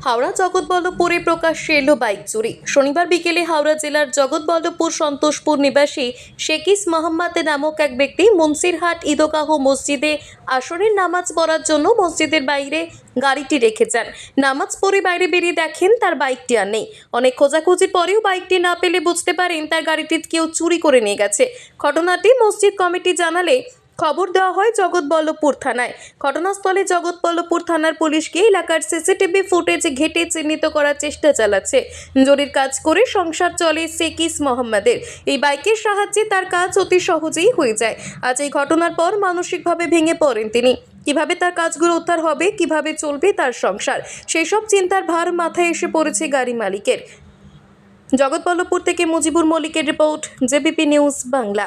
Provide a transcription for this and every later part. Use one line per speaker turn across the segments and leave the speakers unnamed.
হাওড়া জগৎবল্লভপুরে প্রকাশ্যে এলো বাইক চুরি। শনিবার বিকেলে হাওড়া জেলার জগৎবল্লভপুর সন্তোষপুর নিবাসী শেকিস মোহাম্মদ নামক এক ব্যক্তি মুন্সিরহাট ঈদগাহ মসজিদে আসরের নামাজ পড়ার জন্য মসজিদের বাইরে গাড়িটি রেখে যান। নামাজ পড়ে বাইরে বেরিয়ে দেখেন তার বাইকটি আর নেই। অনেক খোঁজাখুঁজির পরেও বাইকটি না পেলে বুঝতে পারেন তার গাড়িটি কেউ চুরি করে নিয়ে গেছে। ঘটনাটি মসজিদ কমিটি জানালে খবর দেওয়া হয় জগৎবল্লভপুর থানায়। ঘটনাস্থলে জগৎবল্লভপুর থানার পুলিশ গিয়ে এলাকার সিসিটিভি ফুটেজ ঘেঁটে চিহ্নিত করার চেষ্টা চালাচ্ছে। জরির কাজ করে সংসার চলে শেকিস মোহাম্মদের। এই বাইকের সাহায্যে তার কাজ অতি সহজেই হয়ে যায়। আজ এই ঘটনার পর মানসিকভাবে ভেঙে পড়েন তিনি। কিভাবে তার কাজগুলো উদ্ধার হবে, কিভাবে চলবে তার সংসার, সেই সব চিন্তার ভার মাথায় এসে পড়েছে গাড়ি মালিকের। জগৎবল্লভপুর থেকে মুজিবুর মল্লিকের রিপোর্ট, জেবিপি নিউজ বাংলা।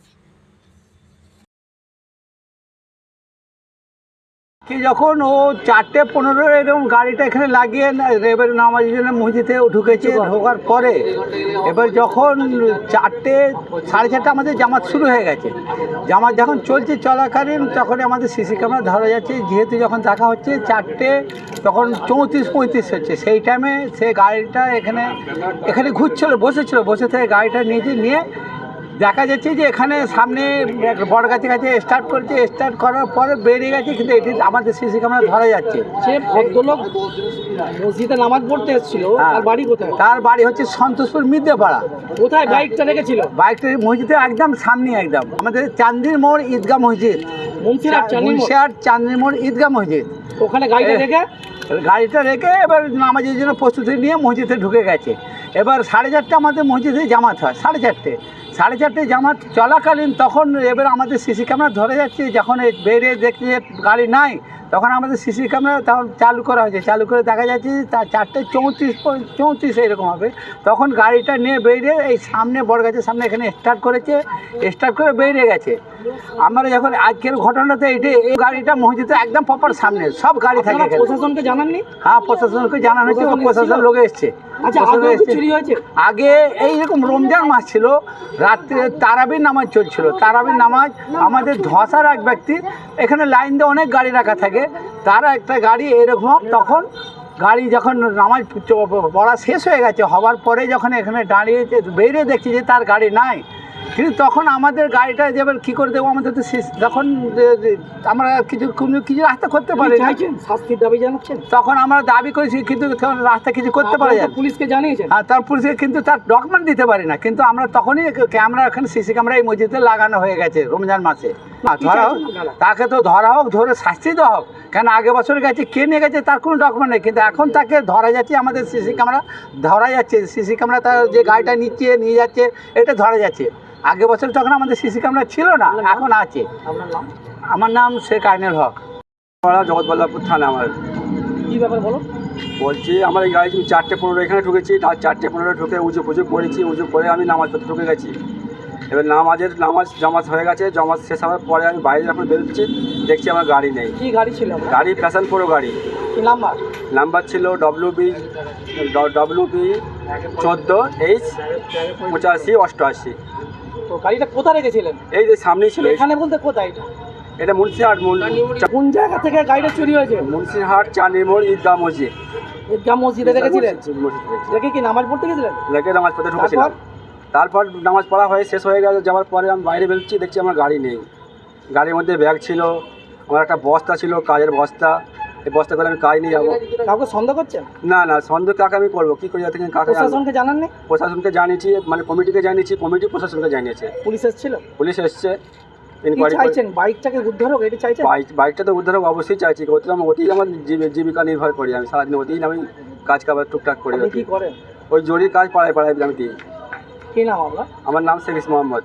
কি যখন ও 4:15 এরকম গাড়িটা এখানে লাগিয়ে এবার নামাজের জন্য মসজিদে ঢুকেছে। ঢোকার পরে এবার যখন 4:30 আমাদের জামাত শুরু হয়ে গেছে। জামাত যখন চলছে চলাকালীন তখন আমাদের সিসি ক্যামেরা ধরা যাচ্ছে, যেহেতু যখন দেখা হচ্ছে 4টে তখন 34-35 হচ্ছে, সেই টাইমে সে গাড়িটা এখানে ঘুরছিল, বসে থেকে গাড়িটা নিয়ে দেখা যাচ্ছে যে এখানে সামনে বড় গাছের কাছে স্টার্ট করার পরে বেরিয়ে গেছে, কিন্তু এটি আমাদের সিসি ক্যামেরা ধরা যাচ্ছে।
সে ভদ্রলোক মসজিদে নামাজ পড়তে এসেছিল, তার বাড়ি কোথায়?
তার বাড়ি হচ্ছে সন্তোষপুর মিদ্যেপাড়া।
কোথায় বাইকটা রেখেছিল?
বাইকটা মসজিদের একদম সামনে, একদম আমাদের চান্দির মোড় ঈদগাহ মসজিদ, মুন্সিরহাট চান্দির মোড় ঈদগাহ মসজিদ।
ওখানে গাড়িটা রেখে এবার নামাজের জন্য প্রস্তুতি নিয়ে মসজিদে ঢুকে গেছে। এবার 4:30 আমাদের মসজিদে জামাত হয়, 4:30 জামাত চলাকালীন তখন এবার আমাদের সিসি ক্যামেরা ধরে যাচ্ছে। যখন বেরিয়ে দেখছে যে গাড়ি নাই, তখন আমাদের সিসি ক্যামেরা তখন চালু করা হয়েছে। চালু করে দেখা যাচ্ছে তার 4:34 এরকম হবে। তখন গাড়িটা নিয়ে বেরিয়ে এই সামনে বড় গাছের সামনে এখানে স্টার্ট করে বেরিয়ে গেছে। আমরা যখন আজকের ঘটনাতে এই গাড়িটা মসজিদে একদম প্রপার সামনে, সব গাড়ি থাকে। প্রশাসনকে জানাননি?
হ্যাঁ, প্রশাসনকে জানানো হয়েছে, প্রশাসন লোক এসছে। আগে এইরকম রমজান মাস ছিল, রাত্রে তারাবির নামাজ চলছিল। তারাবির নামাজ আমাদের ধসার এক ব্যক্তি, এখানে লাইন দিয়ে অনেক গাড়ি রাখা থাকে, তারা একটা গাড়ি এরকম, তখন গাড়ি যখন নামাজ পড়া শেষ হয়ে গেছে, হওয়ার পরে যখন এখানে দাঁড়িয়ে বেরিয়ে দেখছি যে তার গাড়ি নাই, কিন্তু তখন আমাদের গাড়িটা এবার কী করে দেবো, আমাদের তো তখন আমরা কিছু রাস্তা করতে পারি,
শাস্তির দাবি জানাচ্ছেন।
তখন আমরা দাবি করেছি, কিন্তু রাস্তা কিছু করতে পারি না।
পুলিশকে জানিয়েছেন?
হ্যাঁ, তার পুলিশকে, কিন্তু তার ডকুমেন্ট দিতে পারি না। কিন্তু আমরা তখনই ক্যামেরা, এখানে সিসি ক্যামেরা এই মসজিদে লাগানো হয়ে গেছে রমজান মাসে। ধরা হোক, তাকে তো ধরা হোক, ধরে শাস্তি দেওয়া হোক। কেন আগে বছর গেছে, কে নিয়ে গেছে তার কোনো ডকুমেন্ট নেই, কিন্তু এখন তাকে ধরা যাচ্ছে, আমাদের সিসি ক্যামেরা ধরা যাচ্ছে। সিসি ক্যামেরা তার যে গাড়িটা নিয়ে যাচ্ছে এটা ধরা যাচ্ছে। আগে বছর তখন আমাদের সিসি ক্যামেরা ছিল না, এখন আছে। আমার নাম শেখ আইনুল হক, জগৎবল্লভপুর থানা। আমার
কী ব্যাপার বলো?
বলছি, আমার এই গাড়ি 4:15 এখানে ঢুকেছি, আর 4:15 ঢুকে উঁচু করেছি, উঁচু করে আমি নামাজ পড়তে ঢুকে গেছি। এবার জামাজ হয়ে গেছে। জামাজ শেষ হওয়ার পরে আমি বাইরে যখন বেরোচ্ছি, দেখছি আমার গাড়ি নেই।
কী গাড়ি ছিল?
গাড়ি ফ্যাশন প্রো গাড়ি।
কী
নাম্বার ছিল WB 14H8588।
তো গাড়িটা কোথায় রেখেছিলেন?
এই যে সামনেই ছিল।
এখানে বলতে কোথায়?
এটা মুন্সিরহাট।
কোন জায়গা থেকে গাড়িটা চুরি হয়েছে?
মুন্সিরহাট চান্দির মোড় ঈদগাহ মসজিদ।
ঈদগাহ মসজিদে রেখেছিলেন? রেখে কি নামাজ পড়তে গেছিলেন?
রেখে নামাজ পড়তে ঢুকেছিলাম। তারপর নামাজ পড়া হয়ে শেষ হয়ে গেল, যাওয়ার পরে আমি বাইরে বেরোচ্ছি, দেখছি আমার গাড়ি নেই। গাড়ির মধ্যে ব্যাগ ছিল, আমার একটা বস্তা ছিল, কাজের বস্তা। এই বস্তা করে আমি কাজ নিয়ে যাবো।
কাউকে সন্দেহ করছেন?
না, সন্দেহ কাকে আমি করবো, কী করি? কাকে?
প্রশাসনকে জানাননি?
প্রশাসনকে জানিয়েছি, মানে কমিটিকে জানিয়েছি, কমিটি প্রশাসনকে জানিয়েছে।
পুলিশ এসেছিল?
পুলিশ এসছে।
চাইছেন বাইকটাকে উদ্ধার হোক, এটা চাইছেন?
বাইকটা তো উদ্ধার হোক অবশ্যই চাইছি। ওতেই আমার জীবিকা নির্ভর করি আমি, সারাদিন ওতেই আমি কাজ কাবার টুকটাক করি।
কি করেন?
ওই জরির কাজ পাড়ায় আমি দিই।
কী নাম আপনার?
আমার নাম শেকিস মোহাম্মদ।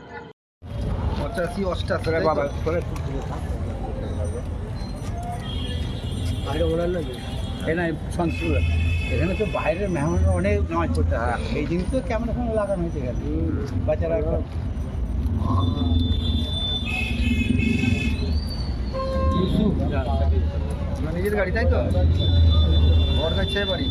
এখানে তো বাইরের মেহমান অনেক নামাজ পড়তে হয়, এই জিনিস তো ক্যামেরা ফ্যামেরা লাগানো হয়েছে এখানে। বাচ্চারা নিজের গাড়ি, তাই তো? বড় গাছ বাড়ি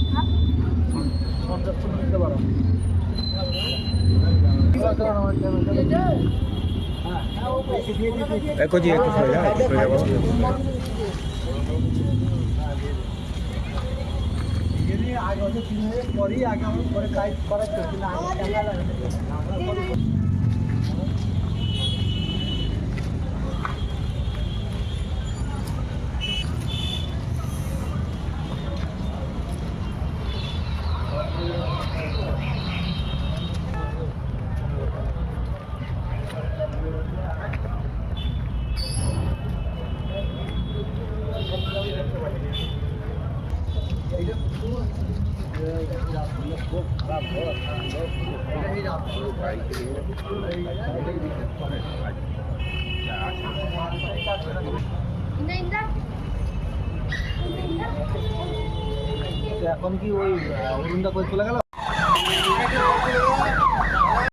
একটু এমনি আগে হচ্ছে 3 মাসের পরেই আগে আমার পরে কাজ করা চলছে না আগে টাকা লাগে এখন কি ওই অরুণদা করে চলে গেল